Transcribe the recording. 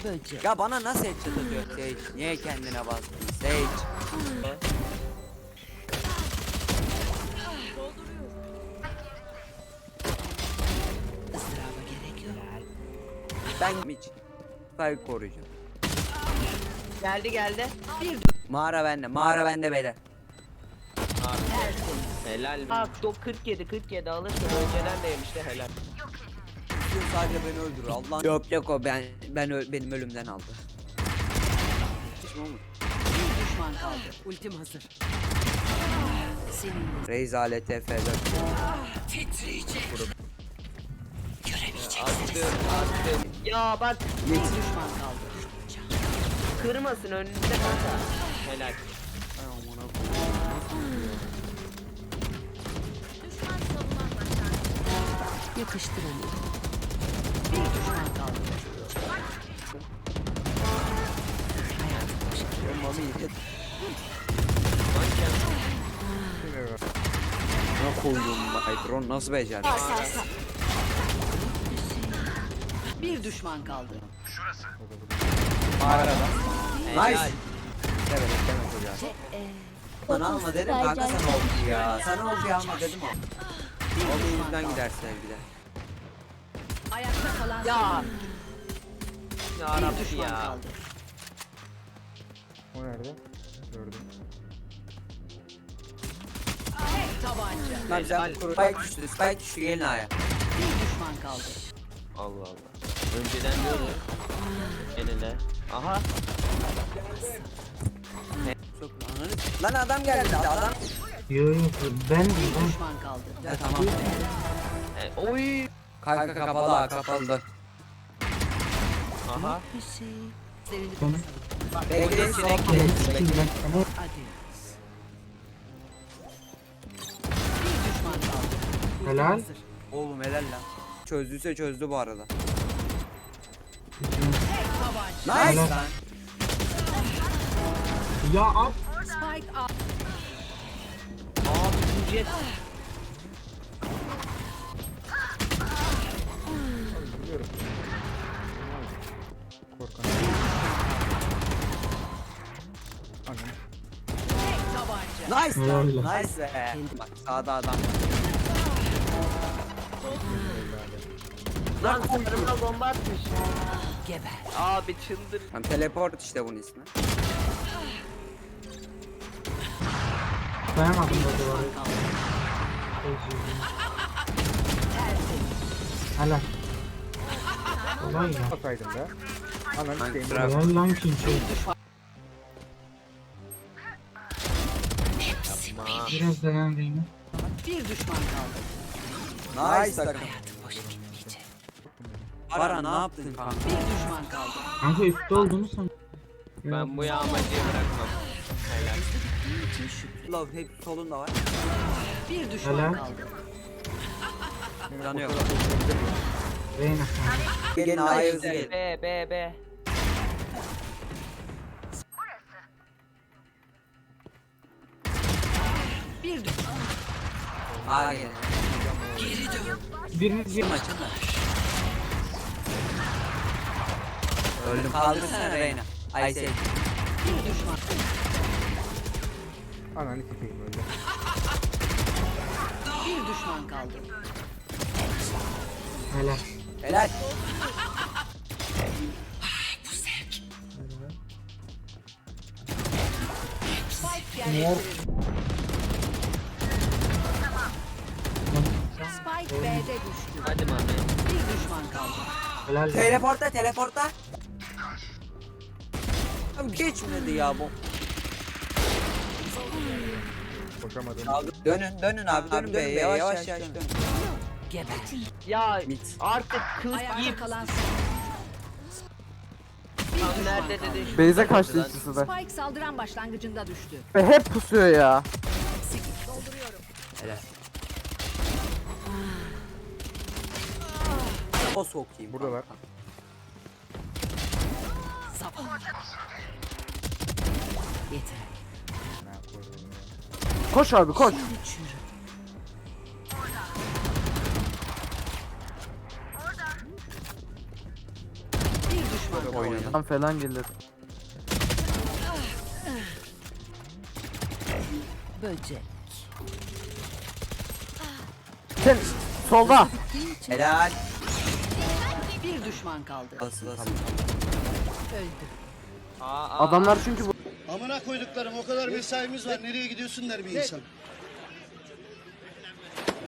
böcek. Ya bana nasıl headshot atıyor Sage? Niye kendine bastın Sage? Isıraba gerek yok. Ben hiç Spike koruyacağım. Geldi. Mağara bende beyler. Helal mi? Bak 47 alırsın önceden de yemişti helal. Sadece beni öldürür Allah. Yok o benim ölümden aldı. Hiç mi olmadı? Bir düşman kaldı. Ultim hazır. Senin Reis alet TF'de. titriyecek. Attım. Ya bak Bir düşman kaldı. kırmasın önünde kanka. Helal. Yakıştır onu. Bir düşman kaldı. Ne koydum Hydron nasıl becerdi? Bir düşman kaldı. Mağarada. Helal. Nice. Evet deme çocuğa. Bana alma dedim kanka sana oldu ya. Sana oldu ya alma dedim o. Onun yüzünden gider sevgiler. Ayakta kalan Ya. Ya bir Rabbi düşman ya. kaldı. O nerede? Gördüm. Tek tabanca. Lan sen Spike düştü gelin aya. Bir düşman kaldı. Allah Allah. Önceden diyordu. Eline. Aha. Çok lan adam geldi adam. Yo ben Bir düşman kaldı. Ya tamam. Oy. Kanka kapalı. Aha. Bir şey. Sevinip Sonra? Bekle hadi. Bir düşman kaldı. Ultim Helal. hazır. Oğlum helal lan. Çözdüyse çözdü bu arada. Tek tabanca. Nice Helal. lan. Ya ab Spike up. Abi jet. korkan. Anam. Tek tabanca. Nice lan. Helal. Nice be. Bak sağda adam. Lan sırrıma bomba atmış. Geber. Abi çıldır. Tam teleport işte bunun ismi. Dayanamadım da duvara. Kaldı. Helal. Olay ya. Ataydım be. Anam Kanka, isteyim. bravo. Helal lan kimse. Biraz dayan Reyna. Bir düşman kaldı. Nice takım. Boşa gitmeyecek. Para ne yaptın kanka? Bir düşman kaldı. Kanka üstte olduğunu san. Ben bu yağmacıyı bırakmam. Helal. Love hep solunda var. Bir düşman Helal. kaldı. Canı yok. Reyna kanka. Gelin A'ya hızlı gelin. B. Bir düşman. A'ya gelin. Biriniz bir Maçın da. Öldüm. Kaldırsana Reyna. Ay şey. Bir düşman. ananı sikeyim öyle. Bir düşman kaldı. Helal. Helal. Spike yerleştirildi. Spike B'de düştü. Hadi mami. Bir düşman kaldı. Helal. Teleporta. Abi geçmedi ya bu. Koşamadım. Dönün abi dönün be yavaş dönün. Geber. Ya Mit. artık kız Ayakta yiyip kalan tam nerede dedi. Beyze kaçtı ikisi de. Spike saldıran başlangıcında düştü. Ve hep pusuyor ya. Helal. O sokayım. Buradalar. Sabah. Yeter. Ne yapıyorum ya? Koş abi koş. Şimdi çürü. Bir düşman kaldı. Oynadım. Tam falan gelir. Böcek. Sen solda. Helal. Bir düşman kaldı. Nasıl? Öldü. Adamlar çünkü bu. Amına koyduklarım o kadar mesaimiz var. Nereye gidiyorsun der bir insan.